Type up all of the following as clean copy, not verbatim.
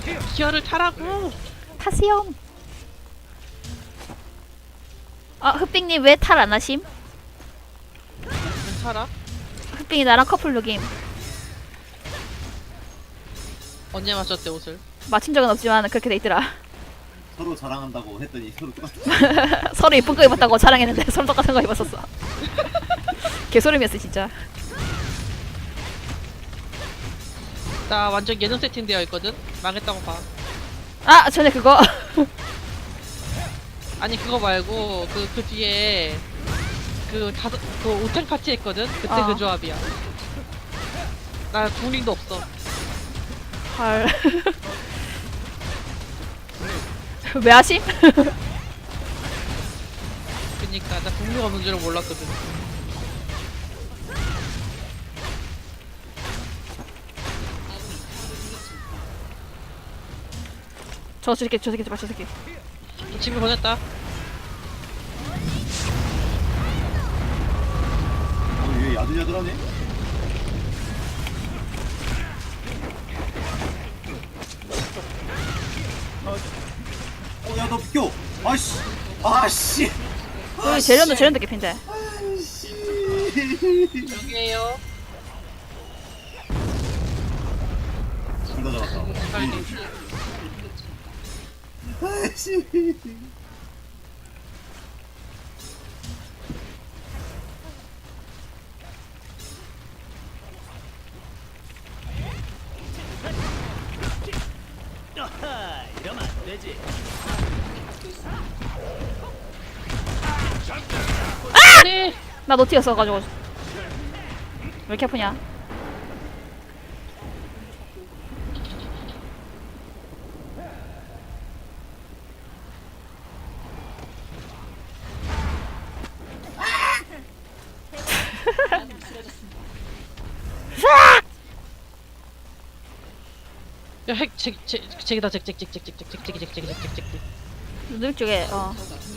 기어를 타라고. 타세요. 아, 흑빙님 왜 탈 안 하심? 타라. 흑빙이 나랑 커플 룩임. 언제 맞췄대 옷을? 맞춘 적은 없지만 그렇게 돼 있더라. 서로 자랑한다고 했더니 서로 똑같아. 서로 이쁜 거 입었다고 자랑했는데 서로 똑같은 거 입었었어. 개소름이었어 진짜. 나 완전 예능 세팅되어 있거든. 망했다고 봐. 아 전에 그거 아니 그거 말고 그 뒤에 그 오텐 파티 했거든. 그때 어. 그 조합이야. 나 중링도 없어. 헐. 왜 하심? 그니까 나 중링 없는 줄은 몰랐거든. 저 새끼 저 새끼 저 새끼. 집에 보냈다. 얘 야들야들하네. 야 너 비켜. 아씨. 아씨. 여기 재련도 개핀데. 여기에요. 둘 다 잡았다. 빨리. 아씨. 네. 나 노티였어가지고 왜 이렇게 아프냐? 야, 핵, 잭이다, 잭. 눈 쪽에 어.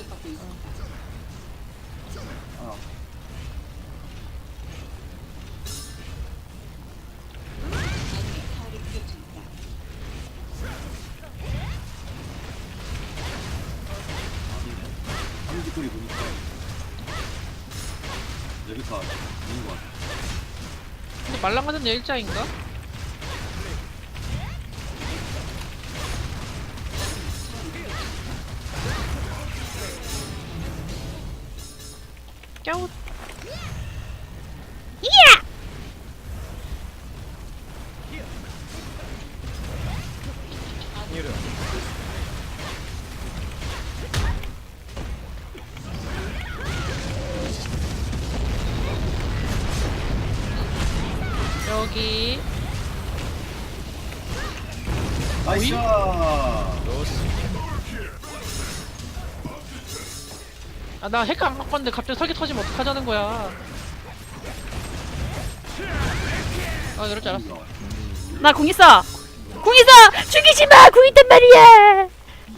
한지거리 보니까 레베카 있는 것 같아. 근데 말랑하는 일자인가? 깨우. 여기 나이스. 아 나 핵 안 갖고 왔는데 갑자기 설계 터지면 어떡하자는 거야. 아 이럴 줄 알았어. 나 궁 있어. 궁 있어. 죽이지 마. 궁 있단 말이야.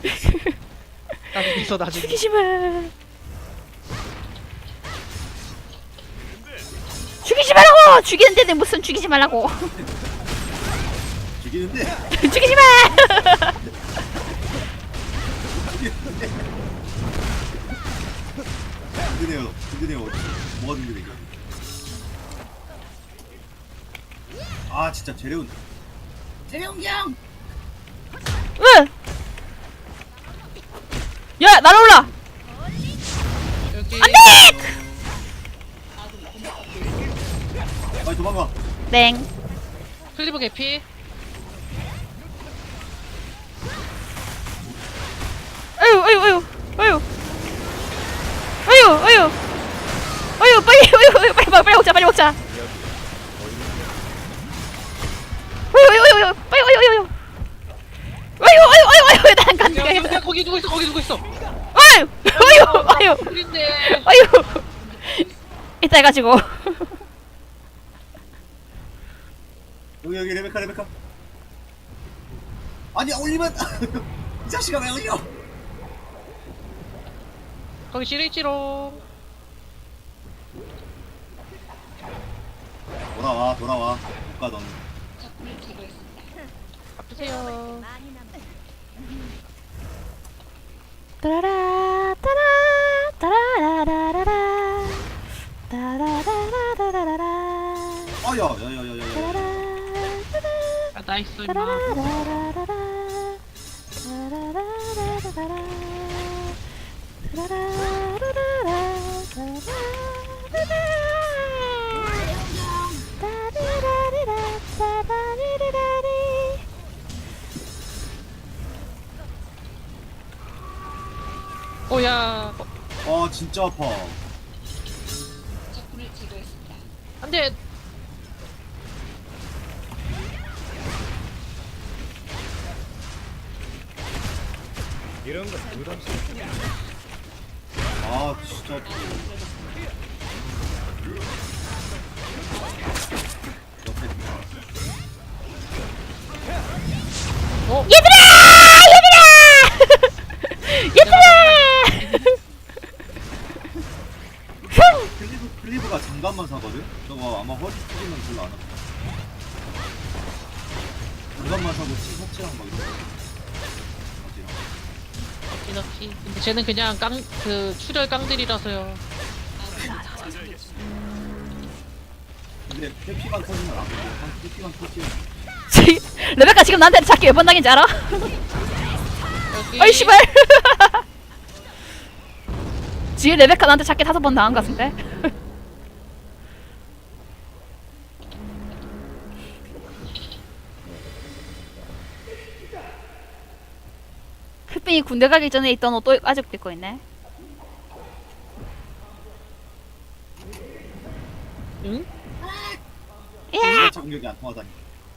나중에 있어 나중에. 죽이지 마. 죽이지 말라고. 죽이는데 무슨 죽이지 말라고. 죽이는데. 죽이지 마. 든든해요. 든든해요. 뭐가 든든해? 아 진짜 재래운. 재래운 경. 왜? 야 날아올라. 여기 안돼. 빨리 도망가. 땡. 클리브 개피. 아유 아유 아유 아유 아유 아유 아유 빨리 먹자 빨리 먹자. 아유 아유 아유 빨리 아유 아유 아유 아유 난 간다. 야 거기 누구 있어 거기 누구 있어. 아유 아유 아유 우린데. 아유 이따 해가지고. 여기 레베카. 아니 올리면 이 자식아 왜 올려? 거기 시리지롱. 돌아와. 못 가 너는. 앞에 주세요. 따라라 따라 따라라라라라 따라라라라라라 야야야야야야. 따라라 아, 나이스, 임마. 따라라라라라 따라라라라라 야. 아 진짜 아파. 안 돼. 아 진짜 아파. 옆에 클리브가 장갑만 사거든? 저거 아마 허리 찢으면 별로 안 아파. 장갑만 사고 티셔츠랑 막 이런 거. 바지랑. 이렇게. 근데 쟤는 그냥 출혈 깡들이라서요. 근데 회피만 터지면 안 돼. 회피만 터지면. 레베카 지금 나한테 찾기 몇 번 당인지 알아? 여기. 어이 씨발 지금 레베카 나한테 찾기 5번 당한 것 같은데? 흑빈이 군대 가기 전에 있던 옷 또 아직도 입고 있네. 응? 야! 차 공격이 안 통하다니.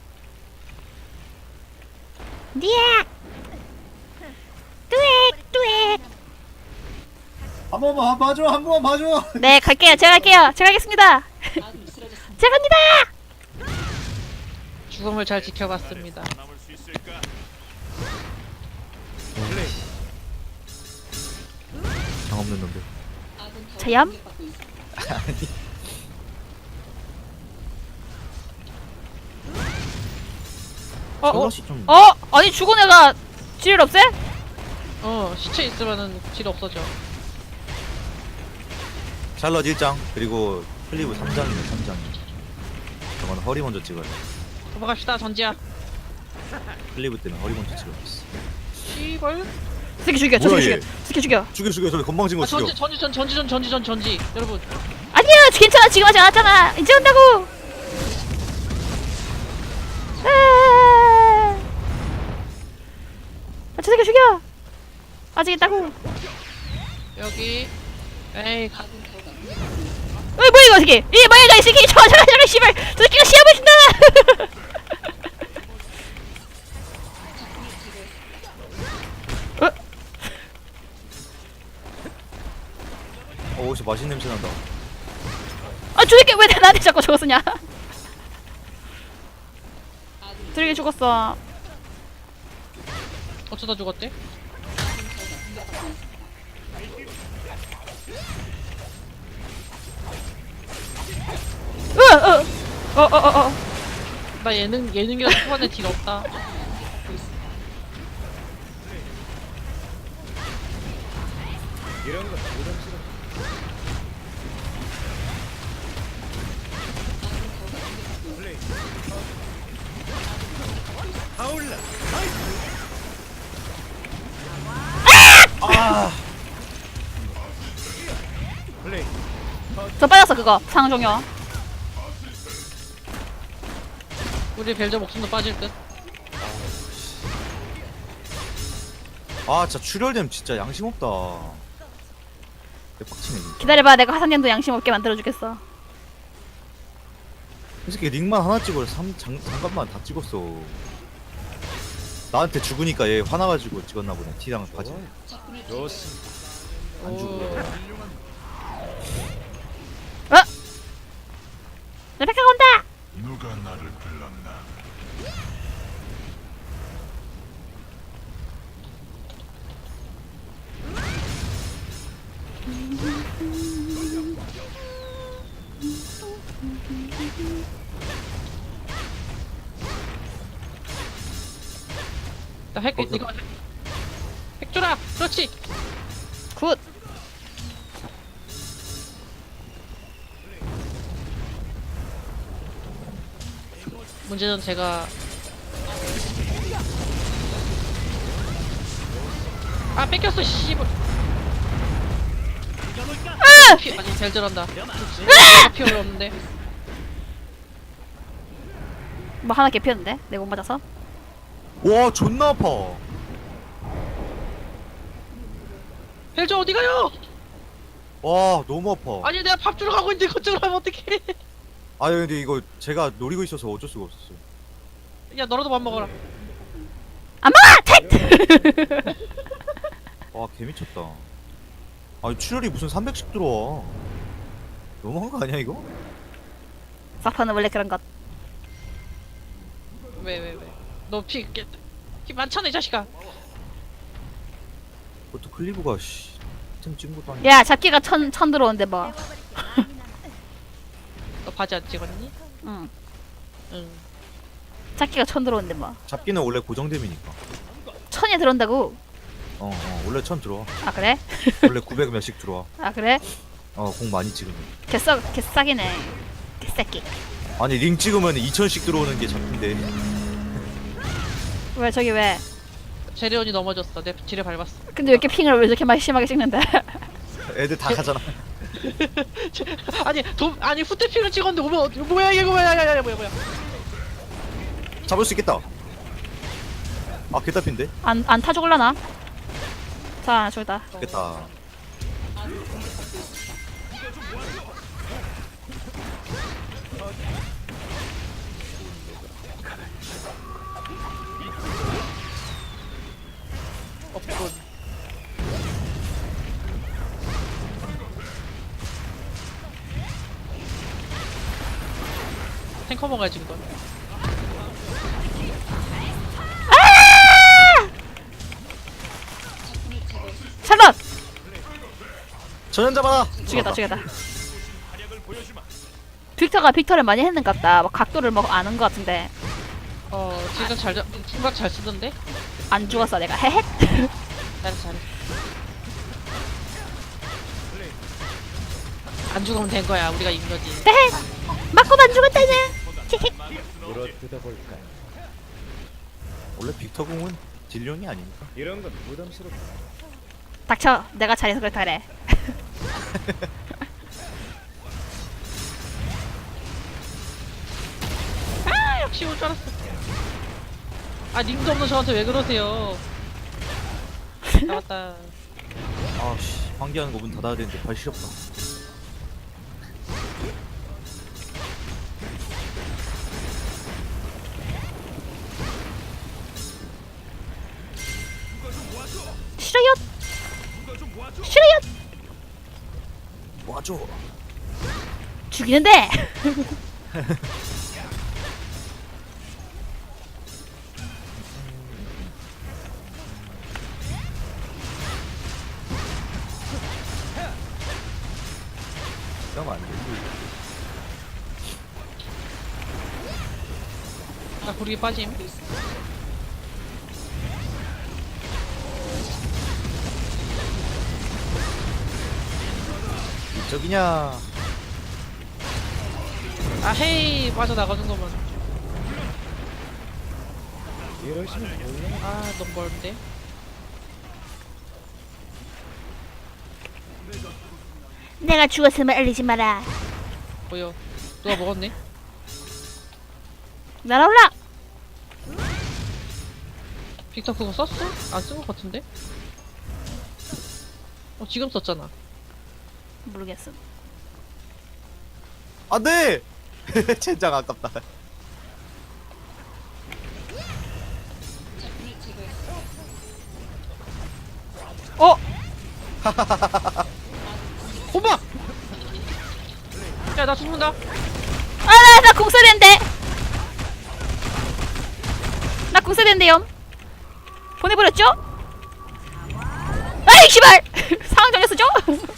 니야! 뚜액! 한 번만 봐줘, 한 번만 봐줘. 네, 갈게요. 제가 가겠습니다. 제가 갑니다! 죽음을 잘 지켜봤습니다. 장 없는 놈들. 자얌? 샬럿이 좀 아니 죽은 애가 질 없애? 시체 있으면은 질 없어져. 샬럿 1장 그리고 클리브 3장이네 3장. 저건 허리 먼저 찍어야 돼. 넘어갑시다, 전지야. 클리브 때문에 허리 먼저 찍어야겠어. 씨발. 스키 죽여, 저 뭐야, 스키 얘? 죽여. 스키 죽여. 죽여 저 건방진 거 아, 죽여. 전지. 여러분. 아니야, 괜찮아. 지금 하지 않았잖아. 이제 온다고. 저 새끼 죽여. 아직 있다고. 여기. 에이, 뭐야 이거 새끼. 이 뭐야 이거 이 새끼. 잠깐 씨발. 저 새끼가 시합을 준다. 진짜 맛있는 냄새 난다. 아, 저 새끼 왜 나한테 자꾸 저거 쓰냐? 드래기 죽었어. 어쩌다 죽었대? 나 예능이라서 초반에 딜 없다. 저 빠졌어 그거 상종요. 우리 벨저 목숨도 빠질 듯. 진짜 출혈됨 진짜 양심 없다. 대박치네. 진짜. 기다려봐, 내가 화상년도 양심 없게 만들어주겠어. 이 새끼 링만 하나 찍어 장갑만 다 찍었어. 나한테 죽으니까 얘 화나가지고 찍었나 보네. 티랑 바지. 안 죽어. 레베카가 온다. 누가 나를 불렀나? 나핵 거기서- 이거 핵 줘라. 그렇지. 굿. 문제는 제가 아 뺏겼어 씨발. 피 아니 잘 들었다. 피 어려웠는데. 뭐 하나 개피었는데? 내가 못 맞아서? 와 존나 아파. 헬저 어디 가요? 와 너무 아파. 아니 내가 밥 주러 가고 있는데 그쪽으로 가면 어떡해? 아니 근데 이거 제가 노리고 있어서 어쩔 수가 없었어요. 야 너라도 밥 먹어라. 안 먹어! 택! 와 개미쳤다. 아니 출혈이 무슨 300씩 들어와. 너무한 거 아니야 이거? 사파는 원래 그런 것. 왜? 너피 많잖아 이 자식아. 그것도 클리브가 템 찍은 것도 아니고. 야, 잡기가 천 들어오는데 뭐. 너 바지 안 찍었니? 응. 응. 잡기가 천 들어오는데 뭐. 잡기는 원래 고정됨이니까. 천이 들어온다고? 원래 1000 들어와. 아, 그래? 원래 900 몇씩 들어와. 아, 그래? 공 많이 찍으면. 개싸기네. 개싸기. 아니 링 찍으면 2000씩 들어오는 게 잡기인데. 왜, 저기 왜? 재련이 넘어졌어. 내 지뢰 밟았어. 근데 왜 이렇게 핑을 왜 이렇게 많이 심하게 찍는데? 애들 다 가잖아. 아니 후퇴핑을 찍었는데 오면 뭐야 이거 뭐야 뭐야. 잡을 수 있겠다. 아 개답인데? 안 타 죽을라나? 자, 저기다. 됐다. 없군. 탱커 먹어야지 이건. 샬럿! 전현 잡아라. 죽였다. 빅터를 많이 했는갑다. 막 각도를 뭐 아는 것 같은데. 지금 생각 잘 쓰던데? 안 죽었어, 내가. 헤헷. 잘했어. 안 죽으면 된 거야. 우리가 이긴 거지. 헤헷. 맞고만 죽었다냐. 헤헷. 원래 빅터 공은 딜용이 아니니까. 닥쳐. 내가 잘해서 그렇다 그래. 아 역시 올 줄 알았어. 아 링도 없는 저한테 왜 그러세요? 나왔다. 아씨 환기하는 거 문 닫아야 되는데 발 시렵다. 싫어요. 싫어요. 와줘. 죽이는데. 그러면 안 돼. 나 구르기 빠짐. 저기냐. 아 헤이 빠져나가는 거만. 아 너무 멀는데. 내가 죽었음을 알리지 마라. 뭐야? 누가 먹었네? 날아올라. 빅터 그거 썼어? 안 쓴 것 같은데? 지금 썼잖아. 모르겠음. 안돼. 젠장 아깝다. 어? 엄마! 야 나 죽는다. 아, 나 공사된대. 나 공사된대요. 보내버렸죠? 아이 씨발. 상황 정해서 줘.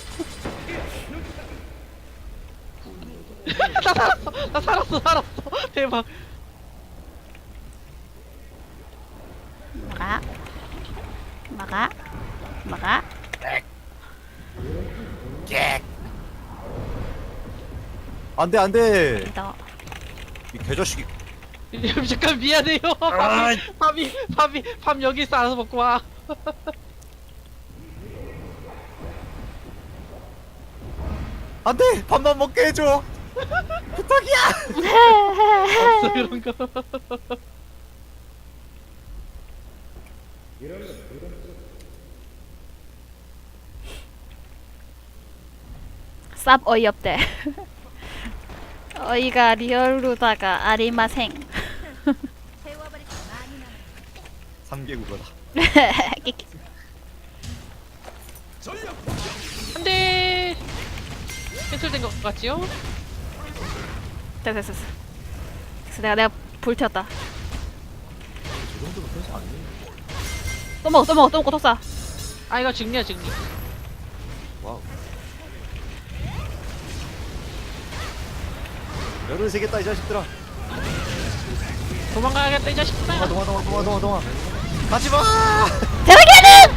나 살았어. 대박. 막아. 막아. 막아. 안돼 안돼. 너. 이 개자식이. 잠깐 미안해요. 밤 여기 있어 알아서 먹고 와. 안돼 밥만 먹게 해줘. 부탁이야. 없어 그런 거. 쌉 어이없대. 어이가 리얼로다가 아리마생. 3개국어다. 안돼. 캔슬된 것 같지요? 됐어. 그래서 내가 불태웠다. 저 정도면 편수 아니에요. 또 먹어 또 쏴. 아 이거 증리야 증리. 와우. 열을 세겠다 이 자식들아. 도망가야겠다 이 자식들아. 동아. 가지마. 대박이라는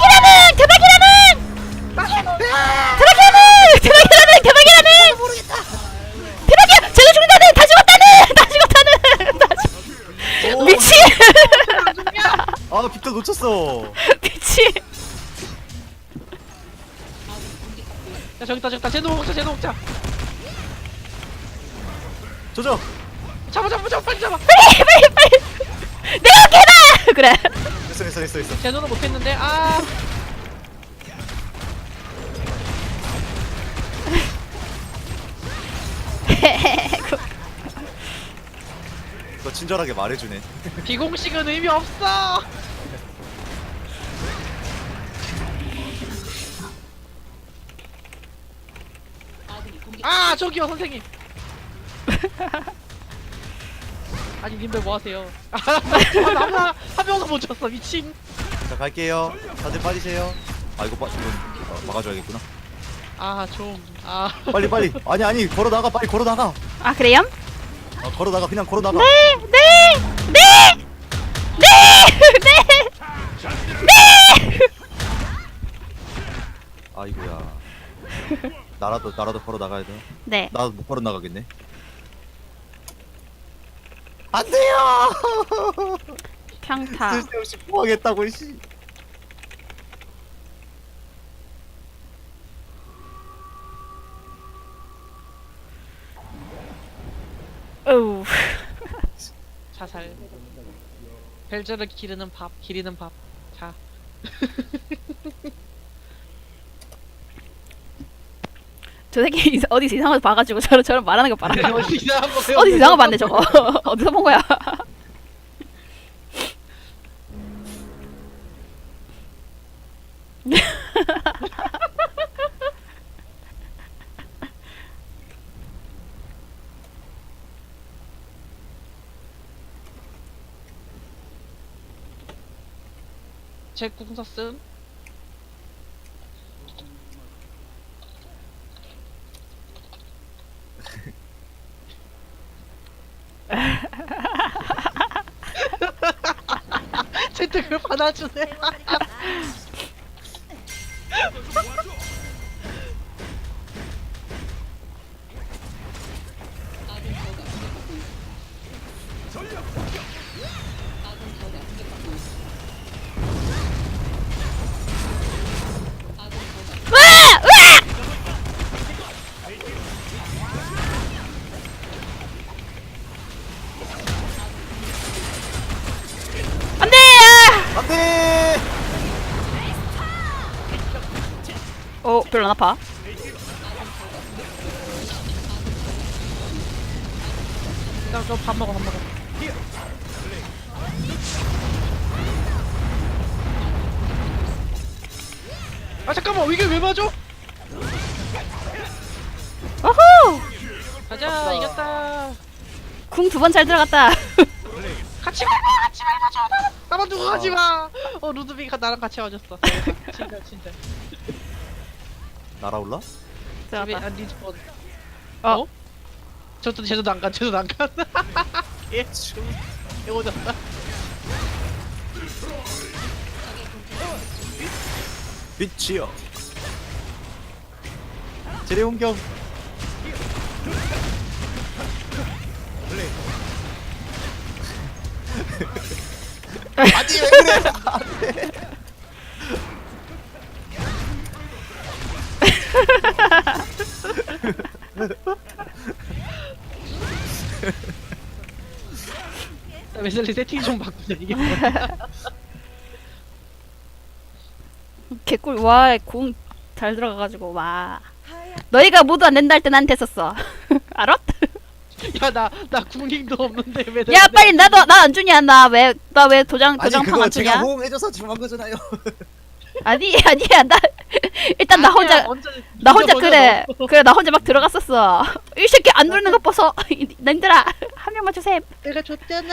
모르겠다. 대박이야. 쟤도 죽는다는. 다 죽었다는. 미친. 아 빅터 놓쳤어. 미친. 야 저기다 쟤도 먹자. 조져. 잡아 빨리 잡아. 빨리. 내가 깨다. 그래. 됐어. 제노는 못했는데 아. 너 친절하게 말해주네. 비공식은 의미 없어. 아 저기요 선생님. 아니 님들 뭐 하세요? 아무나 한 명도 못 쳤어 미친. 자 갈게요. 다들 빠지세요. 아 이거 막아줘야겠구나. 빨리. 아니 걸어 나가 빨리 걸어 나가. 아 그래요? 걸어 나가 그냥 걸어 나가. 네. 아이고야. 나라도 걸어 나가야 돼. 네. 나도 못 걸어 나가겠네. 안 돼요. 평타. 쓸데없이 포하겠다고 씨. 어우. 자살. 벨저를 기르는 밥. 자. 저 새끼 어디서 이상한 거 봐가지고 저런 말하는 거 봐라. 어디 이상한 거 어디서 이상한 거 봤네 저거. 어디서 본 거야? 제 궁서 쓴. 쟤도 그걸 받아주네. 안돼. 안돼. 별로 안 아파. 밥 먹어. 아 잠깐만 이게 왜 맞아? 어후. 가자 이겼다. 궁 2번 잘 들어갔다. 같이 말자. 나만 두고 가지 마. 루드비가 나랑 같이 와줬어. 진짜. 날아올라? 들어갔다. 리스폰. 어? 쟤도 안 간. 예, 오졌다. 빛이여. 제레 공격. 아니 왜 그래? 웨슬리 세팅 좀 바꾸자 이게 뭐야. 개꿀. 와, 공 잘 들어가가지고 와. 너희가 모두 안 된다 할 때 난 됐었어. 알았? 야나 궁링도 없는데 왜 야 빨리 나도 나 안 주냐? 나 왜 도장 아니 도장판 그거 안 제가 주냐? 호응해줘서 지금 한 거잖아요. 아니 아니야 나 일단 나 혼자 그래 나 혼자 막 들어갔었어. 이 새끼 안 누르는 거 봐서 님들아 한 명만 주셈. 내가 줬잖아.